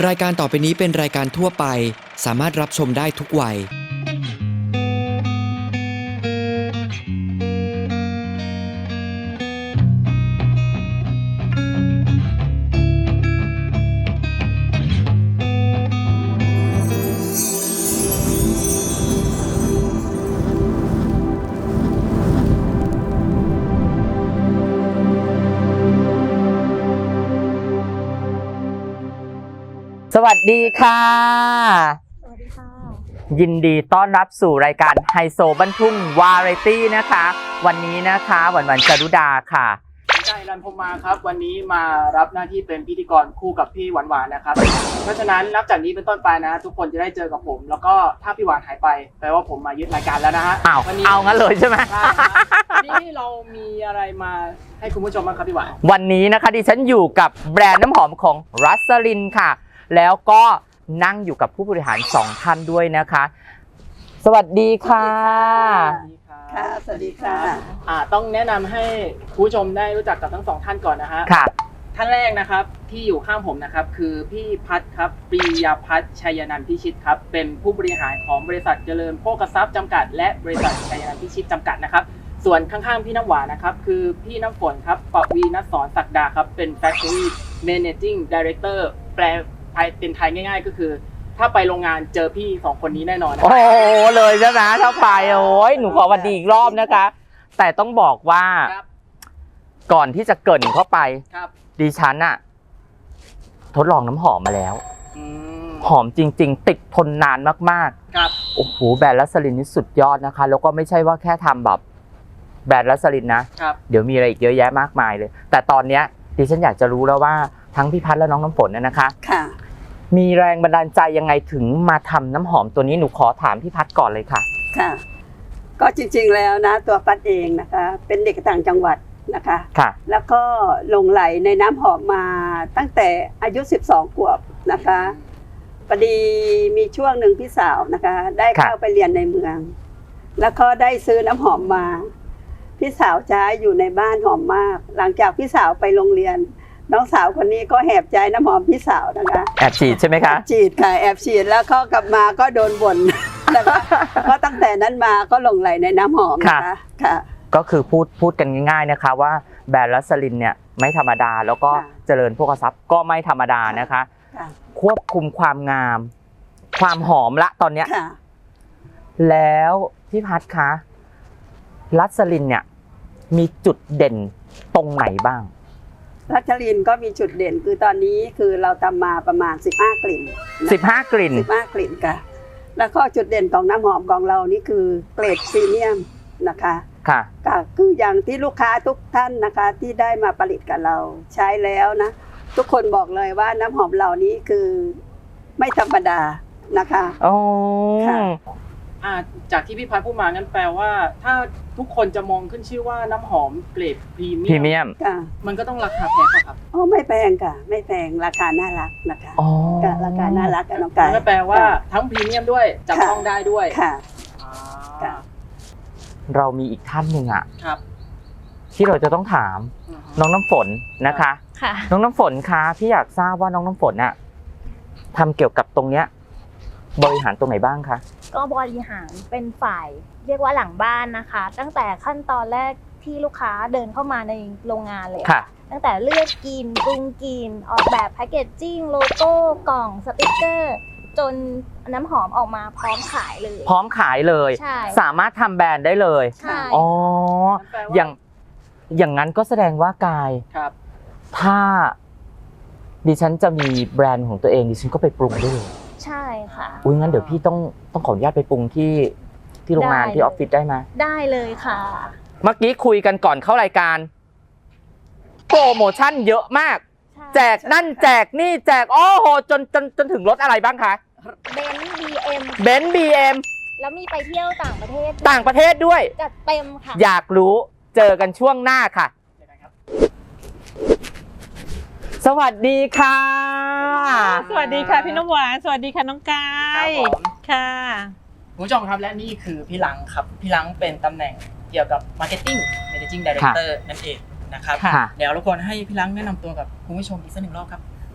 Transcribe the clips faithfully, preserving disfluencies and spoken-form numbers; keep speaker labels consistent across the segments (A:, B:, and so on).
A: รายการต่อไปนี้เป็นรายการทั่วไปสามารถรับชมได้ทุกวัย
B: สวัสดีค่ะ
C: สวัสดีค่ะ
B: ยินดีต้อนรับสู่รายการไฮโซบ้านทุ่งวาไรตี้นะคะ วันนี้นะคะหวันหวันจารุดาค่ะ
D: ใจรันพรหมมาครับวันนี้มารับหน้าที่เป็นพิธีกรคู่กับพี่หวานหวานนะครับเพราะฉะนั้นนับจากนี้เป็นต้นไปนะทุกคนจะได้เจอกับผม แล้วก็ถ้าพี่หวานหายไปแปลว่าผมมายึดรายการแล้วนะฮะ
B: อ้าว
D: วันนี้
B: เอางั้นเลยใช่ไหม
D: ใช่ครับวันนี้เรามีอะไรมาให้คุณผู้ชมบ้างครับพี่หวาน
B: วันนี้นะคะดิฉันอยู่กับแบรนด์น้ำหอมของรัสลินค่ะแล้วก็นั่งอยู่กับผู้บริหารสองท่านด้วยนะคะ สวัสดีค่ะ
C: ค่ะ สวัสดีค่ะ
D: อ่าต้องแนะนำให้คุณผู้ชมได้รู้จักกับทั้งสองท่านก่อนนะฮะ
B: ค่ะ
D: ท่านแรกนะครับที่อยู่ข้างผมนะครับคือพี่พัฒน์ครับปรียาพัฒน์ชัยนันท์พิชิตครับเป็นผู้บริหารของบริษัทเจริญโภคทรัพย์จำกัดและบริษัทชัยนันท์พิชิตจำกัดนะครับส่วนข้างๆพี่น้ำหวานนะครับคือพี่น้ำฝนครับปวีณสอนศักดาครับเป็น Factory Managing Director แปลเป็นไทยง่ายๆก็คือถ้าไปโรงงานเจอพี่สองคนนี้แน่นอนนะ
B: โอ้โหเลยใช่ไหมถ้าไปโอ้ยหนูขอวันดีอีกรอบนะคะ แต่ต้องบอกว่า
D: ครับ
B: ก่อนที่จะเกริ่นเข้าไป
D: ครับ
B: ดิฉันอะทดลองน้ำหอมมาแล้ว
D: อืม
B: หอมจริงๆ ติดทนนานมาก
D: ครับ
B: ๆ โอ้โหแบรนด์ลัสลินนี่สุดยอดนะคะ แล้วก็ไม่ใช่ว่าแค่ทำแบบแบรนด์ลัสลินนะ
D: ครับ
B: เดี๋ยวมีอะไรอีกเยอะแยะมากมายเลย แต่ตอนเนี้ยดิฉันอยากจะรู้แล้วว่าทั้งพี่พัฒน์และน้องน้ำฝนเนี่ยนะคะ
C: ค่ะ
B: มีแรงบันดาลใจยังไงถึงมาทำน้ำหอมตัวนี้หนูขอถามพี่พัฒน์ก่อนเลยค่ะ
C: ค่ะ ก็จริงๆแล้วนะตัวปัดเองนะคะ เป็นเด็กต่างจังหวัดนะคะ
B: ค่ะ
C: แล้วก็หลงไหลในน้ำหอมมาตั้งแต่อายุสิบสองขวบนะคะพอดีมีช่วงหนึ่งพี่สาวนะคะ ได้เข้าไปเรียนในเมือง แล้วก็ได้ซื้อน้ำหอมมา พี่สาวใช้อยู่ในบ้านหอมมาก หลังจากพี่สาวไปโรงเรียน น้องสาวคนนี้ก็แหบใจน้ำหอมพี่สาวนะคะ
B: แอบฉีดใช่ไหมคะ
C: ฉีดค่ะแอบฉีดแล้วก็กลับมาก็โดนบ่น นะคะก็ตั้งแต่นั้นมาก็หลงไหลในน้ำหอมนะคะค่ะ
B: ก็คือพูดพูดกันง่ายๆนะคะว่าแบรนด์ลัสลินเนี่ยไม่ธรรมดาแล้วก็
C: ค่ะ
B: เจริญโภคทรัพย์ก็ไม่ธรรมดานะคะ
C: ค่ะ
B: ควบคุมความงาม ความหอมละตอนเนี้ย
C: ค่ะ
B: แล้วพี่พัฒน์คะลัสลินเนี่ยมีจุดเด่นตรงไหนบ้าง
C: รัชลินก็มีจุดเด่นคือตอนนี้คือเราทำมาประมาณสิบห้ากลิ่นนะคะ
B: สิบห้ากลิ่น
C: สิบห้ากลิ่นค่ะ แล้วก็จุดเด่นของน้ำหอมของเรานี่คือเกรดพรีเมียมนะคะ
B: ค่ะ
C: ก็คืออย่างที่ลูกค้าทุกท่านนะคะที่ได้มาผลิตกับเราใช้แล้วนะ ทุกคนบอกเลยว่าน้ำหอมเหล่านี้คือไม่ธรรมดานะคะ
B: โอ้
C: ค่ะ
D: อ่าจากที่พี่พัฒน์พูดมางั้นแปลว่า ถ้าทุกคนจะมองขึ้นชื่อว่าน้ำหอมเกรดพรีเมี
B: พรี
D: ย
B: เมียม
C: ค่ะ
D: มันก็ต้องราคาแพงป่ะครับ
C: อ๋อไม่แพงค่ะ ไม่แพงราคาน่ารักนะคะ
B: อ๋อ
C: ค่ะราคาน่ารักกันน้องกาย
D: นั่นแปลว่าทั้งพรีเมียมด้วยจับต้องได้ด้วย
C: ค่ะ
D: อ่า
C: ค่ะ
B: เรามีอีกท่านหนึ่งอะ
D: ครับ
B: ที่เราจะต้องถาม
D: อือฮึ
B: น้องน้ำฝนนะคะ
E: ค่ะ
B: น้องน้ำฝนคะพี่อยากทราบว่าน้องน้ำฝนอะทำเกี่ยวกับตรงเนี้ยบริหารตรงไหนบ้างคะ
E: ก็บริหารเป็นฝ่ายเรียกว่าหลังบ้านนะคะ ตั้งแต่ขั้นตอนแรกที่ลูกค้าเดินเข้ามาในโรงงานเลย
B: ค่ะ
E: ตั้งแต่เลือกกินปรุงกินออกแบบแพคเกจจิ้งโลโก้กล่องสติกเกอร์ จนน้ำหอมออกมาพร้อมขายเลย
B: พร้อมขายเลย
E: ใช่
B: สามารถทำแบรนด์ได้เลย
E: ใช่
B: อ๋อ
D: นั่นแปลว่า
B: อย่างอย่างนั้นก็แสดงว่ากาย
D: ครับ
B: ถ้าดิฉันจะมีแบรนด์ของตัวเองดิฉันก็ไปปรุงได้เลย
E: ใช่ค่ะ
B: อุ้ยงั้นเดี๋ยวพี่ต้องต้องขออนุญาตไปปรุงที่ที่โรงงาน
E: ได้
B: ที่ออฟฟิศได้ไหม
E: ได้เลยค่ะ
B: เมื่อกี้คุยกันก่อนเข้ารายการโปรโมชั่นเยอะมาก แจกนั่นแจกนี่แจกโอ้โหจนจนจนถึงรถอะไรบ้างคะ
E: เบนซ์บีเอ็ม
B: เบนซ์บีเอ็ม
E: แล้วมีไปเที่ยวต่างประเทศ
B: ต่างประเทศด้วย
E: จัดเต็มค่ะ
B: อยากรู้เจอกันช่วงหน้าค่ะ สวัสดีค่ะ
F: สวัสดีค่ะพี่น้ำหวานสวัสดีค่ะน้องกา
D: ครับ
F: ย
D: ผม
F: ค่ะ
D: คุณผู้ชมครับและนี่คือพี่ลังครับพี่ลังเป็นตำแหน่งเกี่ยวกับ Marketing Managing Director นั่นเองนะครับ
B: ค่ะ
D: เดี๋ยวรบกวนให้พี่ลังแนะนำตัวกับคุณผู้ชมอีกสักหนึ่งรอบครับ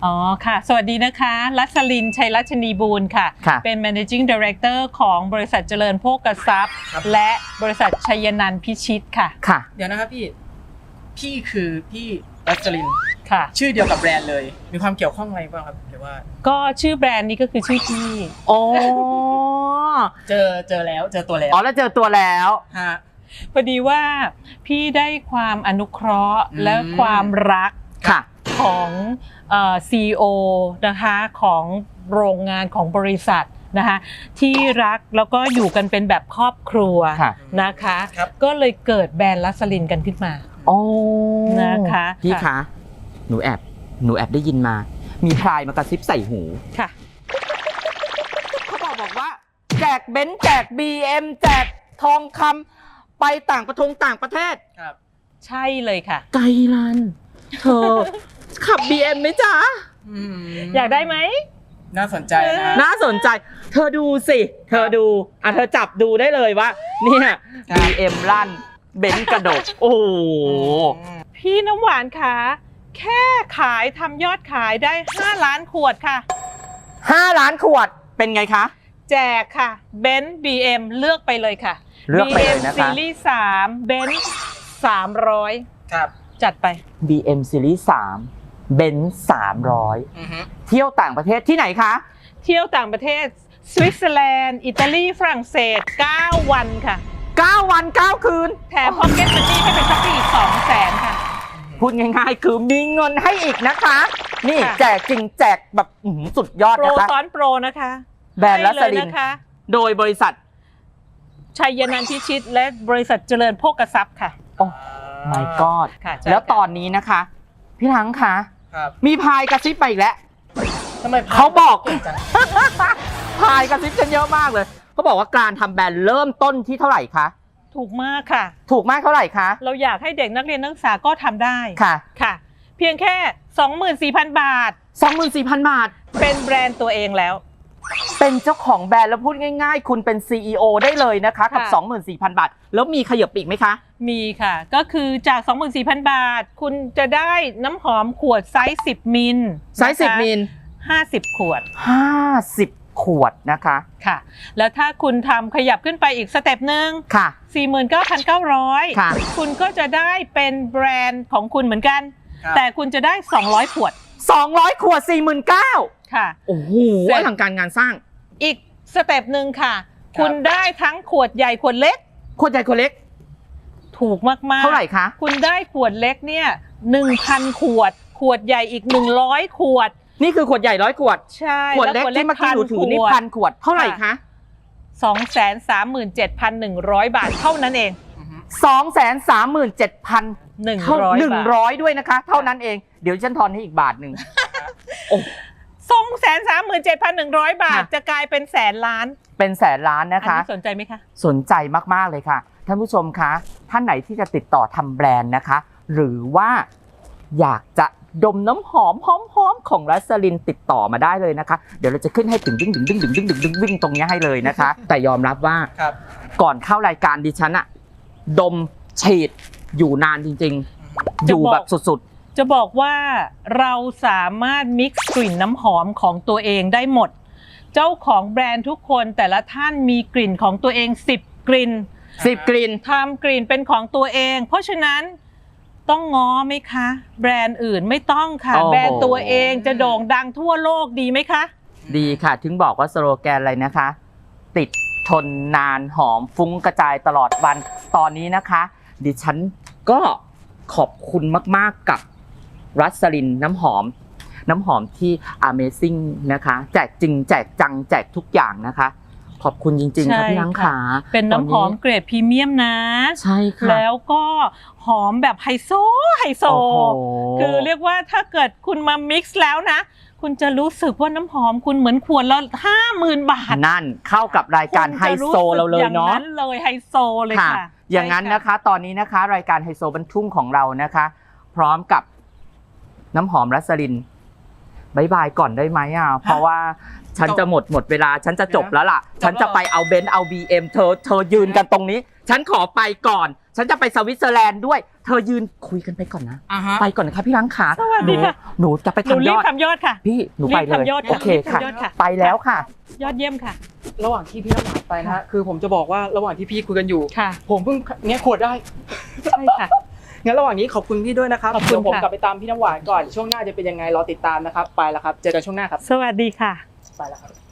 F: อ๋อค่ะ สวัสดีนะคะรัสลินชัยรัชนีบูรณ์ค่ะ
B: ค่ะ
F: เป็น managing director ของบริษัทเจริญโภคทรัพย์ และบริษัทชัยนันท์พิชิตค่ะ
B: ค่ะ
D: เดี๋ยวนะครับพี่พี่คือพี่รัสลิน
F: ค่ะ
D: ชื่อเดียวกับแบรนด์เลย มีความเกี่ยวข้องอะไรบ้างครับหรือว่า
F: ก็ชื่อแบรนด์นี้ก็คือชื่อพี่
B: อ๋อ
D: เจอเจอแล้วเจอตัวแล้ว
B: อ๋อแล้วเจอตัวแล้ว
D: ฮะ
F: พอดีว่าพี่ได้ความอนุเคราะห์
D: อืม
F: และความรัก
B: ค่ะ
F: ของเอ่อ ซี อี โอ นะคะของโรงงานของบริษัทนะคะที่รักแล้วก็อยู่กันเป็นแบบครอบครัว
B: ค่ะ
F: นะคะ
D: ครับ
F: ก็เลยเกิดแบรนด์ลัสลินกันขึ้นมา
B: อ๋อ
F: นะคะ
B: พี่
F: ค่ะ
B: คะ หนูแอบ หนูแอบได้ยินมา มีพรายมากระซิบใส่หู
F: ค่ะ
B: เขาบอกบอกว่า แจกเบนซ์แจก บี เอ็ม แจกทองคำไปต่างประทงต่างประเทศ
D: ครับ
F: ใช่เลยค่ะ
B: ไกลลัน เธอ ขับ บี เอ็ม ไหมจ๊ะ
D: อืม
F: อยากได้ไหม
D: น่าสนใจนะ
B: น่าสนใจ เธอดูสิ เธอดู อ่ะเธอจับดูได้เลยว่า เนี่ย
D: ครับ
B: บี เอ็ม ลั่น เบนซ์กระดก โอ้โห
F: พี่น้ำหวานคะแค่ขายทำยอดขายได้ห้าล้านขวดค่ะ
B: ห้าล้านขวด เป็นไงคะ
F: แจกค่ะเบนซ์ บี เอ็ม เลือกไปเลยค่ะ
B: เลือกไปเลยนะคะ
F: บี เอ็ม ซีรีส์สามเบนซ์สามร้อย
D: ครับ
F: จัดไป
B: บี เอ็ม Series สามเบนซ์สามร้อย
D: อือฮึ
B: เที่ยวต่างประเทศที่ไหนคะ
F: เที่ยวต่างประเทศสวิตเซอร์แลนด์ อิตาลี ฝรั่งเศส เก้า วันค่ะ
B: เก้า วัน เก้า คืน
F: แถมพ็อกเก็ตมันนี่ให้เป็นช็อปปี้อีกสองแสนค่ะ
B: พูดง่ายๆ คือมีเงินให้อีกนะคะ นี่
F: ค่ะ
B: แจกจริงแจกแบบอื้อหือสุดยอด
F: โปร
B: นะคะ
F: ซ้อนโปรนะคะ
B: แบรนด์ลัสลิน
F: ให้เลยนะคะ
B: โดยบริษัท
F: ชัยนันท์พิชิต และบริษัทเจริญโภคทรัพย์ค่ะ
B: โอ้ my god
F: ค่ะใช่
B: แล้ว
F: ค่ะ
B: ตอนนี้นะคะ พี่ทั้งคะ
D: ครับ
B: มีพายกระซิบไปอีกแล้ว
D: ทำไม
B: เขาบอก
D: เก่งจัง
B: พายกระซิบกันเยอะมากเลย เขาบอกว่าการทำแบรนด์เริ่มต้นที่เท่าไหร่คะ
F: ถูกมากค่ะ
B: ถูกมากเท่าไหร่คะ
F: เราอยากให้เด็กนักเรียนนักศึกษาก็ทำได้
B: ค่ะ
F: ค่ะ เพียงแค่ สองหมื่นสี่พัน บาท
B: สองหมื่นสี่พัน บาท
F: เป็นแบรนด์ตัวเองแล้ว
B: เป็นเจ้าของแบรนด์แล้วพูดง่ายๆ คุณเป็น ซี อี โอ ได้เลยนะคะกับ
F: ค่ะ
B: สองหมื่นสี่พัน บาท แล้วมีขยับปีกไหมคะ
F: มีค่ะ ก็คือจาก สองหมื่นสี่พัน บาท คุณจะได้น้ำหอมขวดไซส์สิบมิล
B: ไซส์สิบมิล
F: ห้าสิบขวด
B: ห้าสิบขวดนะคะ
F: ค่ะ แล้วถ้าคุณทำขยับขึ้นไปอีกสเต็ปหนึ่ง
B: ค่ะ
F: สี่หมื่นเก้าพันเก้าร้อย
B: ค่ะ
F: คุณก็จะได้เป็นแบรนด์ของคุณเหมือนกัน
D: ครับ
F: แต่คุณจะได้สองร้อยขวด
B: สองร้อยขวด สี่หมื่นเก้าพัน
F: ค่ะ
B: โอ้โห
F: เสร็จ
B: อลังการงานสร้าง
F: อีกสเต็ปหนึ่งค่ะ คุณได้ทั้งขวดใหญ่ขวดเล็ก
B: ขวดใหญ่ขวดเล็ก
F: ถูกมากๆ
B: เท่าไหร่คะ
F: คุณได้ขวดเล็กเนี่ยหนึ่งพันขวด ขวดใหญ่อีกหนึ่งร้อยขวด
B: นี่คือขวดใหญ่ร้อยขวด
F: ใช่
B: ขวดเล็กที่เมื่อกี้หนูถือนี่พันขวด เท่าไหร่คะ
F: สองแสนสามหมื่นเจ็ดพันหนึ่งร้อยบาทเท่านั้นเอง
D: อือฮึ
B: สองแสนสามหมื่นเจ็ดพัน
F: หนึ่ง
B: เท่า
F: ร้อย
B: หนึ่ง
F: บาท
B: ร้อยด้วยนะคะ เท่านั้นเอง เดี๋ยวฉันทอนให้อีกบาทหนึ่ง โอ้
F: สองแสนสามหมื่นเจ็ดพันหนึ่งร้อยบาท
B: ค่ะ
F: จะกลายเป็นแสนล้าน
B: เป็นแสนล้าน
F: อั
B: นะคะ
F: นี้สนใจไหมคะ
B: สนใจมากๆเลยค่ะ ท่านผู้ชมคะ ท่านไหนที่จะติดต่อทำแบรนด์นะคะ หรือว่าอยากจะดมน้ำหอมหอมๆของรัสลินติดต่อมาได้เลยนะคะ เดี๋ยวเราจะขึ้นให้ถึงดึงดึงดึงดึงดึงดึงดึงวิ่งตรงนี้ให้เลยนะคะ แต่ยอมรับว่า
D: ครับ
B: ก่อนเข้ารายการดิฉันอะดมฉีดอยู่นานจริงๆ อยู่แบบสุด
F: จะบอกว่าเราสามารถมิกซ์กลิ่นน้ำหอมของตัวเองได้หมด เจ้าของแบรนด์ทุกคนแต่ละท่านมีกลิ่นของตัวเองสิบกลิ่น
B: ๆสิบกลิ่น
F: ทำกลิ่นเป็นของตัวเอง เพราะฉะนั้นต้องง้อไหมคะ แบรนด์อื่นไม่ต้องค่ะ
B: โอ้โห
F: แบรนด์ตัวเองจะโด่งดังทั่วโลกดีไหมคะ
B: ดีค่ะ ถึงบอกว่าสโลแกนอะไรนะคะ ติดทนนานหอมฟุ้งกระจายตลอดวันตอนนี้นะคะ ดิฉันก็ขอบคุณมากๆกับรัสลินน้ำหอม น้ำหอมที่ Amazing นะคะ แจกจริงแจกจังแจกทุกอย่างนะคะ ขอบคุณจริงๆค่ะ
F: ใช่
B: พี่นัง
F: ค่ะ
B: ขา
F: เป็นน้ำหอมเกรดพรีเมียมนะ
B: ใช่ค่ะ
F: แล้วก็หอมแบบไฮโซไฮโซ
B: โอ้โห
F: คือเรียกว่าถ้าเกิดคุณมามิกซ์แล้วนะ คุณจะรู้สึกว่าน้ำหอมคุณเหมือนขวดละห้าหมื่นบาท
B: นั่นเข้ากับรายการไฮโซเราเลยเนาะ
F: อย่างนั้นเลยไฮโซเลยค่ะ
B: อย่างนั้นนะคะ ตอนนี้นะคะ รายการไฮโซบรรทุ่งของเรานะคะ พร้อมกับน้ำหอมรัสลินบายบายก่อนได้ไหมอ่ะเพราะว่าฉันจะหมดหมดเวลาฉันจะจบแล้วล่ะ ฉันจะไปเอาเบนซ์เอา บี เอ็ม เธอเธอยืนกันตรงนี้ ฉันขอไปก่อน ฉันจะไปสวิตเซอร์แลนด์ด้วย เธอยืนคุยกันไปก่อนนะ
D: อ่าฮะ
B: ไปก่อนนะคะพี่ล้างขา
F: สวัสดีค่ะ
B: หนูหนูจะไป
F: หนู
B: ทำ
F: รี
B: ย
F: บ
B: อด
F: ทำยอดค่ะ
B: พี่หนูไป
F: รีบ
B: เลย
F: ทำยอด
B: โอเคค่ะ
F: รีบทำยอดค่ะ
B: ไปแล้วค่ะ
F: ยอดเยี่ยมค่ะ
D: ระหว่างที่พี่น้ำหวานไปนะฮะคือผมจะบอกว่าระหว่างที่พี่คุยกันอยู่
F: ค่ะ
D: ผมเพิ่งแงะขวดได้
F: ใช่ค่ะ
D: งั้นระหว่างนี้ขอบคุณพี่ด้วยนะครับ
F: ขอบคุณ
D: เดี๋ยวผม
F: ค่ะ
D: กลับไปตามพี่น้ำหวานก่อนช่วงหน้าจะเป็นยังไงรอติดตามนะครับไปแล้วครับเจอกันช่วงหน้าครับ
F: สวัสดีค่ะ
D: ไปแล้วครับ